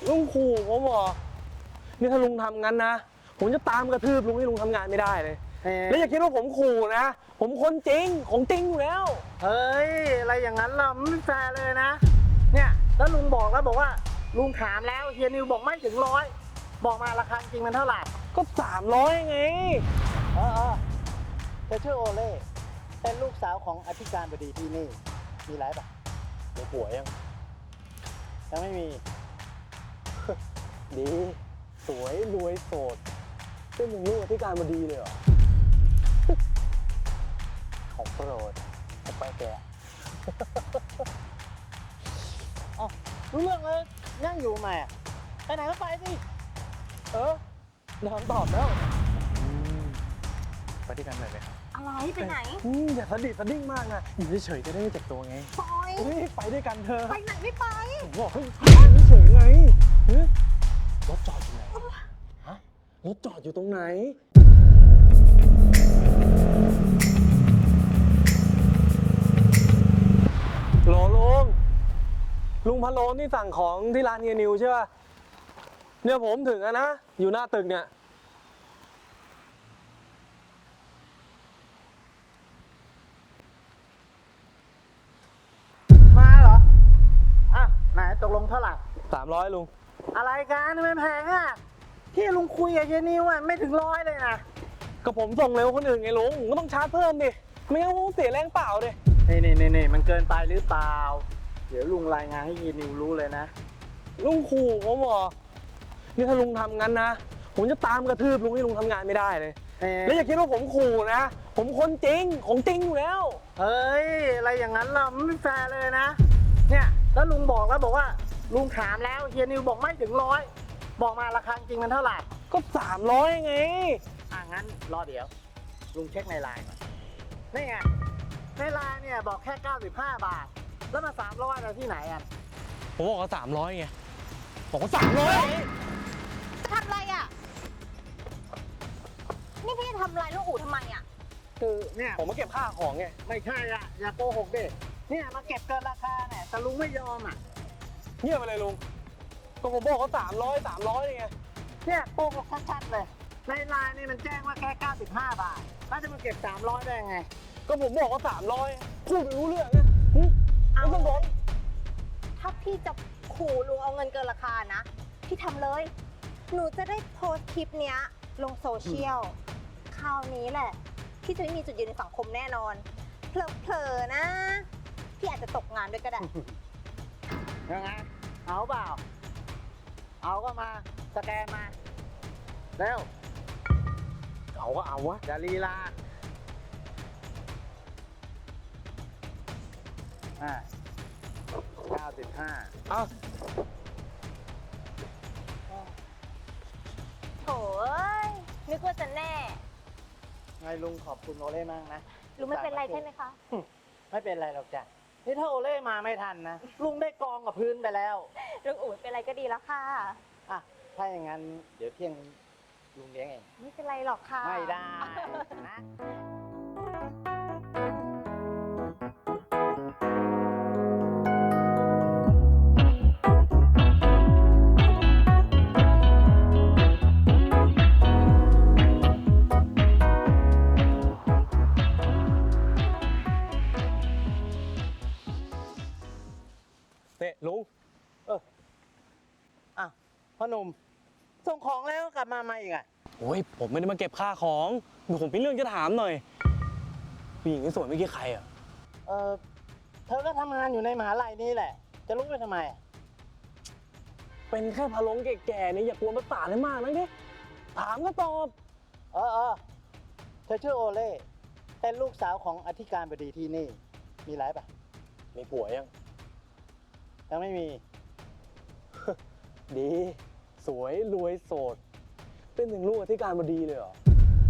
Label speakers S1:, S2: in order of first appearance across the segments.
S1: ลุงขู่ผมเหรอนี่ถ้าลุงทำงั้นนะผมจะตามกระทืบลุงให้ลุงทำงานไม่ได้เลยแล้วอย่าคิดว่าผมขู่นะผมคนจริงของจริงอยู่แล้ว
S2: เฮ้ยอะไรอย่างนั้นเราไม่แฟร์เลยนะเนี่ยแล้วลุงบอกว่าลุงถามแล้วเฮียนิวบอกไม่ถึง100บอกมาราคาจริงมันเท่าไหร่
S1: ก็300ไง
S2: เออเธอชื่อโอเล่เป็นลูกสาวของอธิการบดีที่นี่มีไรปะ
S1: มีผัวยัง
S2: ไม่มี
S1: ดีสวยรวยโสดเป็นอย่างลูกอธิการบดีเลยเหรอ
S2: ของโปรดไปแกอ๋อรู้เรื่องเลยนั่งอยู่ไหมไปไหนก็ไปสิ
S1: น้ำตอบแล้วไปด้วยกันหน่อยไหม
S3: อะไรไปไหน
S1: อย่าสะดิดสะดิ้งมากนะอยู่เฉยๆจะได้ไม่เจ็บตัวไง
S3: ปอย
S1: ไปด้วยกันเธอ
S3: ไปไหนไม่ไป
S1: ผมบอกให้เฉยๆไงรถจอดอยู่ไหนฮะรถจอดอยู่ตรงไหนโหลลุงพะโล้นี่สั่งของที่ร้านเฮียนิวใช่ป่ะเนี่ยผมถึงแล้วนะอยู่หน้าตึกเนี่ย
S2: มาเหรออ่ะไหนตกลงเท่าไหร่
S1: 300ลุง
S2: อะไรกันไม่แพงอ่ะที่ลุงคุยกับเฮียนิวอ่ะไม่ถึง100เลยนะ
S1: ก็ผมส่งเร็วคนอื่นไงลุงก็ต้องชาร์จเพิ่มดิไม่งั้นผมเสียแรงเปล่าดิ
S2: นี่มันเกินไปหรือเปล่าเดี๋ยวลุงรายงานให้เฮียนิวรู้เลยนะ
S1: ลุงขู่ผมเหรอนี่ถ้าลุงทำงั้นนะผมจะตามกระทืบลุงให้ลุงทำงานไม่ได้เลยแล้วอย่าคิดว่าผมขู่นะผมคนจริงของจริงอยู่แล้ว
S2: เฮ้ยอะไรอย่างนั้นเราไม่แฟร์เลยนะเนี่ยแล้วลุงบอกว่าลุงถามแล้วเฮียนิวบอกไม่ถึง100บอกมาราคาจริงมันเท่าไหร่
S1: ก็300ไง
S2: งั้นรอเดี๋ยวลุงเช็คในไลน์ก่อนนี่ไงในไลน์เนี่ยบอกแค่95 บาทแล้วมา300อะไรที่ไหนอ่ะ
S1: ผมบอกว่า300ไงบอกว่า300
S3: ทำอะไรอ่ะนี่พี่ทำอะไรลูกอู่ทำไมอ่ะ
S2: คือเนี่ย
S1: ผมมาเก็บค่าของไง
S2: ไม่ใช่อ่ะอย่าโกหกดิเนี่ยมาเก็บเกินราคาเนี่ยแต่ลุงไม่ยอมอ่ะ
S1: เงียบไปเลยลุงก็ผมบอกว่า300ไง
S2: เนี่ยโกหกชัดๆเลยในไลน์นี่มันแจ้งว่าแค่95 บาทแล้วจะมาเก็บ300ได้ไง
S1: ก็ผมบอกว่า300พูดไม่รู้เรื่องนะไม่ต้องบอก
S3: ถ้าพี่จะขู่ลุงเอาเงินเกินราคานะพี่ทำเลยหนูจะได้โพสต์คลิปเนี้ยลงโซเชียลคราวนี้แหละพี่จะไม่มีจุดยืนในสังคมแน่นอนเผลอๆนะพี่อาจจะตกงานด้วยก็ได้
S2: ยังไงเอาเปล่าเอาก็มาสแกนมาเร็ว
S1: เอาก็เอาวะ
S2: อย่าลีลา95
S1: เอา
S3: โถ่นึกว่าจะแน่
S2: ไงลุงขอบคุณโอเล่มากนะ
S3: ลุงไม่เป็นไรใช่ไหมคะ
S2: ไม่เป็นไรหรอกจ้ะนี่ถ้าโอเล่มาไม่ทันนะลุงได้กองกับพื้นไปแล้ว
S3: ลุงอู๋เป็นไรก็ดีแล้วค่ะ
S2: ถ้าอย่างนั้นเดี๋ยวเที่ยงลุงเลี้ยงเอง
S3: ไม่เป็นไรหรอกค่ะ
S2: ไม่ได้นะ
S1: ลุง
S2: พ่อหนุ่มส่งของแล้วกลับมาอีกอ่ะ
S1: โอ้ยผมไม่ได้มาเก็บค่าของผมมีเรื่องจะถามหน่อยผู้หญิงที่สวยเมื่อกี้ใครอ่ะ
S2: เธอก็ทำงานอยู่ในมหาลัยนี่แหละจะรู้ไปทำไม
S1: เป็นแค่พะโล้แก่ๆนี่อย่ากวนประสาทให้มากนะดิถามก็ตอบ
S2: เธอชื่อโอเล่เป็นลูกสาวของอธิการบดีที่นี่มีไรปะ
S1: มีผัว
S2: ยังไม่มี
S1: ดีสวยรวยโสดเป็นถึงลูกอธิการบดีเลยเหรอ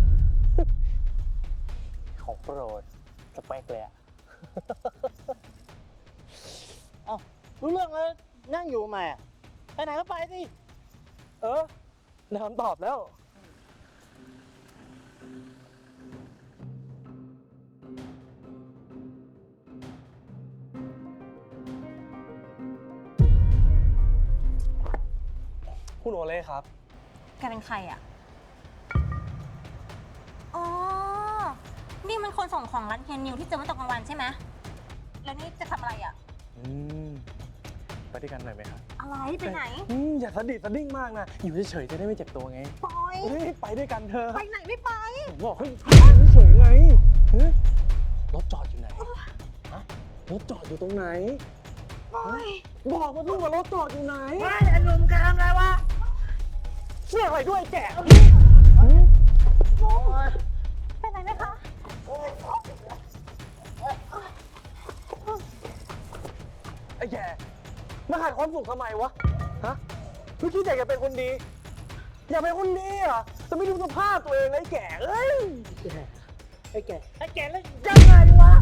S2: ของโปรดสเปคเลยอ่ะรู้เรื่องเลยนั่งอยู่ไหมไปไหนก็ไปสิ
S1: น้ำตอบแล้วคุณโอเล่ครับ
S3: แกเป็นใครอ่ะ อ๋อ นี่มันคนส่งของร้านเฮียนิวที่เจอเมื่อตอนกลางวันใช่ไหม แล้วนี่จะทำอะไรอ่ะ
S1: ไปด้วยกันหน่อยไหมครับ
S3: อะไร ไปไหน
S1: อย่าสะดิดสะดิ้งมากนะ อยู่เฉยๆจะได้ไม่เจ็บตัวไง
S3: ปอย
S1: เฮ้ยไปด้วยกันเถอะ
S3: ไปไหนไม่ไป
S1: ผมบอกให้อยู่เฉยๆไงเฮ้ยรถจอดอยู่ไหนฮะรถจอดอยู่ตรงไหน
S3: ปอย
S1: บอกมาลูกว่ารถจอดอยู่ไหน
S2: ไม่ไอ้ลุงแกทำอะไรวะ
S1: เชื่ออะไรด้วยแก
S3: เป็นไรไหมคะ
S1: ไอ้แกมาขาดความสุขทำไมวะ ฮะไม่คิดอยากจะเป็นคนดี อยากเป็นคนดีเหรอจะไม่ดูสภาพตัวเองเลยไอ้แกเอ้ย
S2: ไอ้แกแล้วยังไงวะ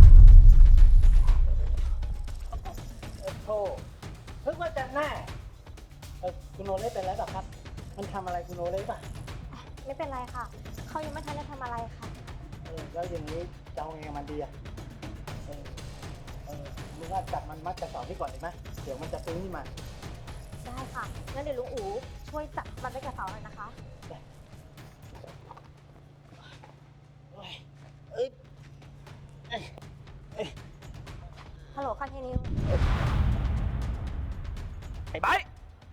S2: โธ่เพิ่งว่าจะแน่คุณโอเล่เป็นไรเปล่าครับ มันทำอะไรคุณโอเล่ป่ะ
S3: ไม่เป็นไรค่ะ เขายังไม่ทันได้ทำอะไรค่ะ
S2: แล้วอย่างนี้จะเอาไงมันดีอ่ะมึงว่าจับมันมัดกระสอบที่ก่อนดีไหมเดี๋ยวมันจะซื้อนี่มา
S3: ได้ค่ะ งั้นเดี๋ยวลุงอู๋ช่วยจับมันไว้กับเสาหน่อยนะคะ ฮัลโหลค่ะเฮียนิว
S1: ไอ้ไบร์ท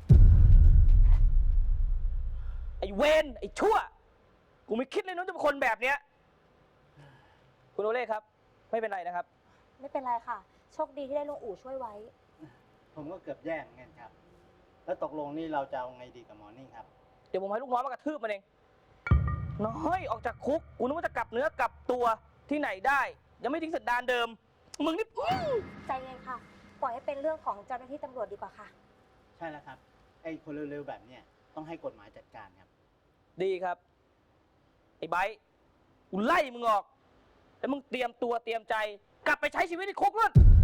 S1: ไอ้เวนไอ้ชั่ว กูไม่คิดเลยน้องจะเป็นคนแบบเนี้ยคุณโอเล่ครับ ไม่เป็นไรนะครับ
S3: ไม่เป็นไรค่ะ โชคดีที่ได้ลุงอู๋ช่วยไว้
S2: ผมก็เกือบแย่เหมือนกันครับ แล้วตกลงนี่เราจะเอาไงดีกับหมอนี่ครับ
S1: เดี๋ยวผมให้ลูกน้องมากระทืบมันเอง น้อยออกจากคุก กูนึกว่าจะกลับเนื้อกลับตัวที่ไหนได้ ยังไม่ทิ้งสันดานเดิม มึงนี่
S3: ใจเย็นค่ะ ปล่อยให้เป็นเรื่องของเจ้าหน้าที่ตำรวจดีกว่าค่ะ
S2: ใช่แล้วครับ ไอ้คนเร็วๆแบบเนี้ยต้องให้กฎหมายจัดการครับ
S1: ดีครับ ไอ้ไบร์ทกูไล่มึงออก แล้วมึงเตรียมตัวเตรียมใจ กลับไปใช้ชีวิตในคุกนู่น